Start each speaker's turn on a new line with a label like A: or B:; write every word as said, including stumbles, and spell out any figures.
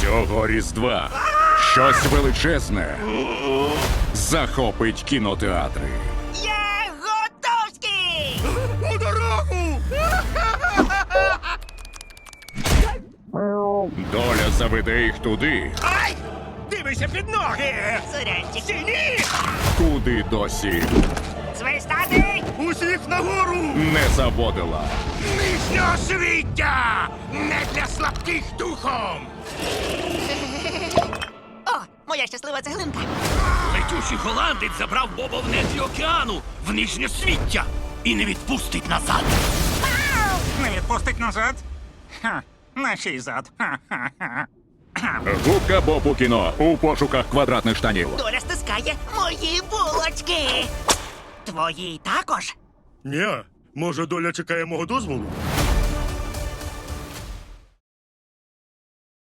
A: Цього Різдва щось величезне захопить кінотеатри.
B: Я готовський!
C: У дорогу!
A: Доля заведе їх туди,
C: Ай! Дивися під ноги!
B: Сурянчик.
C: Стійні!
A: куди досі
B: Свистати!
C: Усіх нагору!
A: не заводила.
C: Нижнього свіття! Не для слабких духом!
B: О, моя щаслива цеглинка.
D: Летючий голландець забрав Боба в нетрі океану в нижнє свіття і не відпустить назад.
E: Не відпустить назад? Ха, на чий зад? Ха-ха-ха.
A: Губка Боб у кіно у пошуках квадратних штанів.
B: Доля стискає мої булочки. Твої також?
C: Ні, може доля чекає мого дозволу?